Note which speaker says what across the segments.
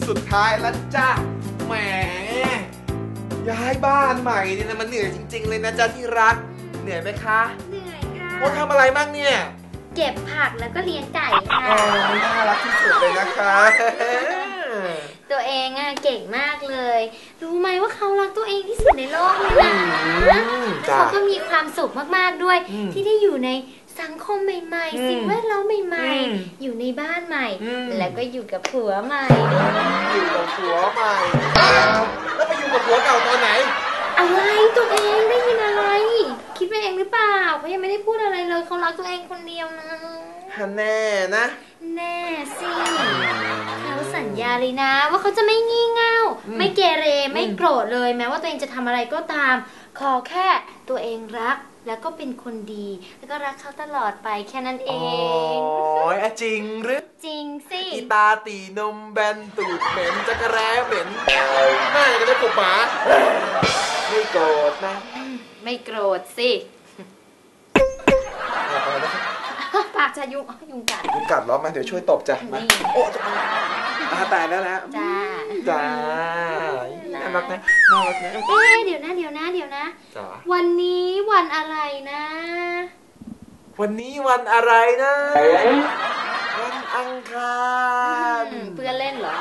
Speaker 1: สุดท้ายแล้วจ้าแหมย้ายบ้านใหม่เนี่ยนะมันเหนื่อยจริงๆเลยนะจ๊ะที่รักเหนื่อยไหมคะ
Speaker 2: เหนื่อยค่ะ
Speaker 1: โอ้ทำอะไรบ้างเนี่ย
Speaker 2: เก็บผักแล้วก็เลี้ยงไก่ค่ะ
Speaker 1: น่ารักที่สุดเลยนะคะ
Speaker 2: ตัวเองอะเก่งมากเลยรู้ไหมว่าเขารักตัวเองที่สุดในโลกเลยนะเขาก็มีความสุขมากๆด้วยที่ได้อยู่ในสังคมใหม่ๆสิ่งแวดล้อมใหม่ๆอยู่ในบ้านใหม่แล้วก็อยู่กับผัวใหม่
Speaker 1: อยู่กับผัวใหม่แล้วไปอยู่กับผัวเก่าตอนไหน
Speaker 2: อะไรตัวเองได้ยินอะไรคิดไปเองหรือเปล่าเขายังไม่ได้พูดอะไรเลยเขารักตัวเองคนเดียวนะ
Speaker 1: แน่นะ
Speaker 2: แน่สิเขาสัญญาเลยนะว่าเขาจะไม่งี่เง่าไม่เกเรไม่โกรธเลยแม้ว่าตัวเองจะทำอะไรก็ตามขอแค่ตัวเองรักแล้วก็เป็นคนดีแล้วก็รักเขาตลอดไปแค่นั้นเอง
Speaker 1: โอ้ยจริงหรือ
Speaker 2: จริงสิ
Speaker 1: อีตาตีนมแบนตูดเหม็นจักรแร้เหม็นหน้าจะได้กบหมาไม่โกรธนะ
Speaker 2: ไม่โกรธสิปากจะยุงกัด
Speaker 1: เหรอมาเดี๋ยวช่วยตบจ้ะมาโอ้ตายแล้วนะจ้าน่ารักนะ
Speaker 2: เดี๋ยวนะวันนี้วันอะไรนะ
Speaker 1: วันนี้วันอะไรนะวันอังคาร
Speaker 2: เพื่อนเล่นเหรอ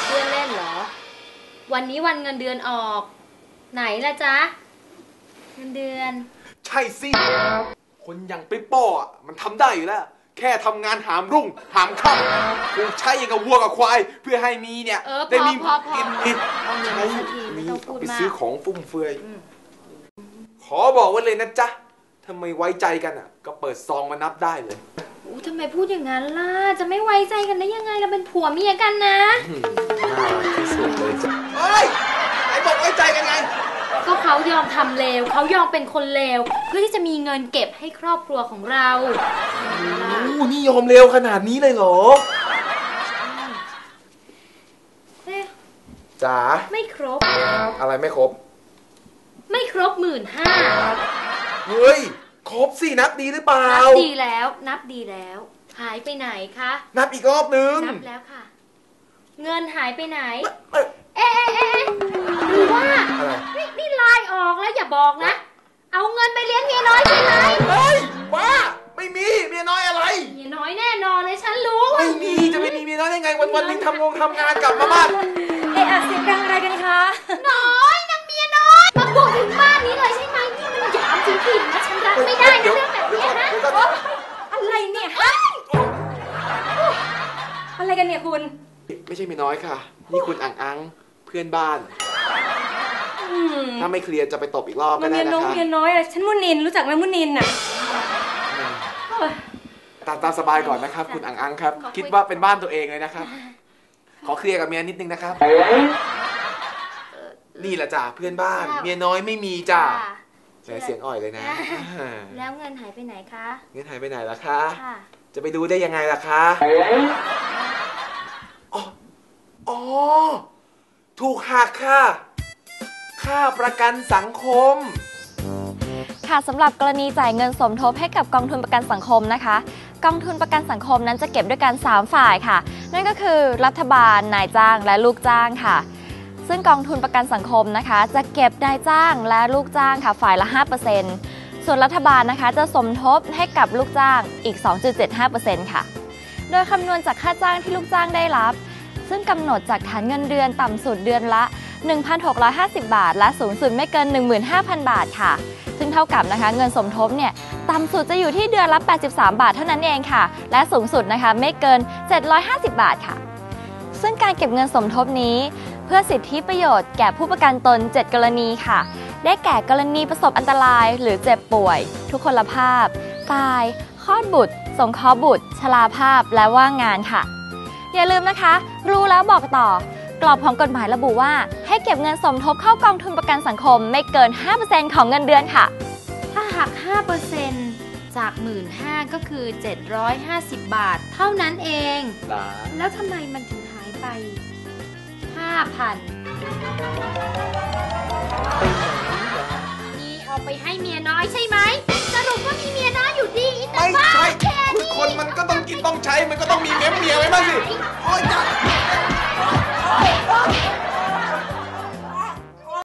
Speaker 2: วันนี้วันเงินเดือนออกไหนล่ะจ๊ะเงินเดือน
Speaker 1: ใช่สิคนอย่างปิ๊ปโป้มันทำได้อยู่แล้วแค่ทำงานหามรุ่งหามค่ำคงใช้อย่างกับวัวกับควายเพื่อให้มีเนี่ยได้มีกินใช้มีเอาไปซื้อของฟุ่มเฟือยขอบอกไว้เลยนะจ๊ะถ้าไม่ไว้ใจกันก็เปิดซองมานับได้เลย
Speaker 2: ทำไมพูดอย่างนั้นล่ะจะไม่ไว้ใจกันได้ยังไงเราเป็นผัวเมียกันนะ
Speaker 1: น่ารักที่สุดเลยจ้ะเฮ้ยไหนบอกไว้ใจกันไง
Speaker 2: ก็เขายอมทำเลวเขายอมเป็นคนเลวเพื่อที่จะมีเงินเก็บให้ครอบครัวของเรา
Speaker 1: นี่ยอมเลวขนาดนี้เลยเหรอจ๋า
Speaker 2: ไม่ครบ
Speaker 1: อะไรไม่ครบ
Speaker 2: ไม่ครบ15,000
Speaker 1: เฮ้ยครบสินับดีหรือเปล่านั
Speaker 2: บดีแล้วหายไปไหนคะ
Speaker 1: นับอีกรอบนึง
Speaker 2: นับแล้วค่ะเงินหายไปไหนหรือว่านี่ไลน์ออกแล้วอย่าบอกนะเอาเงินไปเลี้ยงเมียน้อยใช่ไหม
Speaker 1: เฮ้ยบ้าไม่มีเมียน้อยอะไร
Speaker 2: เมียน้อยแน่นอนเลยฉันรู้
Speaker 1: ไม่มีจะไม่มีเมียน้อยได้ไงวันนึงทำงานกลับมาบ้าน
Speaker 3: เสียงดังอะไรกันคะ
Speaker 2: น้อยนางเมียน้อยมาบุกถึงบ้านนี้เลยใช่ไหมนี่มันหยามจริงๆนะฉันรับไม่ได้นะเรื่องแบบนี้นะ
Speaker 3: อะไรเนี่ยฮะอะไรกันเนี่ยคุณ
Speaker 1: ไม่ใช่เมียน้อยค่ะนี่คุณอังเพื่อนบ้านถ้าไม่เคลียร์จะไปตบอีกรอบก็ได้นะคะ
Speaker 3: เมียน้อยฉันมุนินรู้จักไหมมุนิน
Speaker 1: ตามสบายก่อนนะครับคุณอังครับคิดว่าเป็นบ้านตัวเองเลยนะครับขอเคลียร์กับเมียนิดนึงนะครับนี่แหละจ้ะเพื่อนบ้านเมียน้อยไม่มีจ้ะเสียงอ่อยเลยนะ
Speaker 2: แล้วเงินหายไปไหนคะ
Speaker 1: เงินหายไปไหนล่ะคะจะไปดูได้ยังไงล่ะคะอ๋อถูกหักค่ะค่าประกันสังคม
Speaker 4: ค่ะสำหรับกรณีจ่ายเงินสมทบให้กับกองทุนประกันสังคมนะคะกองทุนประกันสังคมนั้นจะเก็บด้วยกัน3ฝ่ายค่ะนั่นก็คือรัฐบาลนายจ้างและลูกจ้างค่ะซึ่งกองทุนประกันสังคมนะคะจะเก็บนายจ้างและลูกจ้างค่ะฝ่ายละ 5% ส่วนรัฐบาลนะคะจะสมทบให้กับลูกจ้างอีก 2.75% ค่ะโดยคำนวณจากค่าจ้างที่ลูกจ้างได้รับซึ่งกำหนดจากฐานเงินเดือนต่ำสุดเดือนละ 1,650 บาทและสูงสุดไม่เกิน 15,000 บาทค่ะซึ่งเท่ากับนะคะเงินสมทบเนี่ยต่ำสุดจะอยู่ที่เดือนละ83 บาทเท่านั้นเองค่ะและสูงสุดนะคะไม่เกิน750 บาทค่ะซึ่งการเก็บเงินสมทบนี้เพื่อสิทธิประโยชน์แก่ผู้ประกันตน7กรณีค่ะได้แก่กรณีประสบอันตรายหรือเจ็บป่วยทุกพลภาพตายคลอดบุตรสงเคราะห์บุตรชราภาพและว่างงานค่ะอย่าลืมนะคะรู้แล้วบอกต่อกรอบของกฎหมายระบุว่าให้เก็บเงินสมทบเข้ากองทุนประกันสังคมไม่เกิน 5% ของเงินเดือนค่ะ
Speaker 2: ถ้าหัก 5% จาก 15,000 ก็คือ750 บาทเท่านั้นเองแล้วทำไมมันถึงหายไป 5,000 นี่เอาไปให้เมียน้อยใช่ไหมสรุปว่ามีเมียน้อยอยู่ดี
Speaker 1: ไม่ใช่คนมันก็ต้องกินต้องใช้มันก็ต้องมีเมียไว้บ้างสิ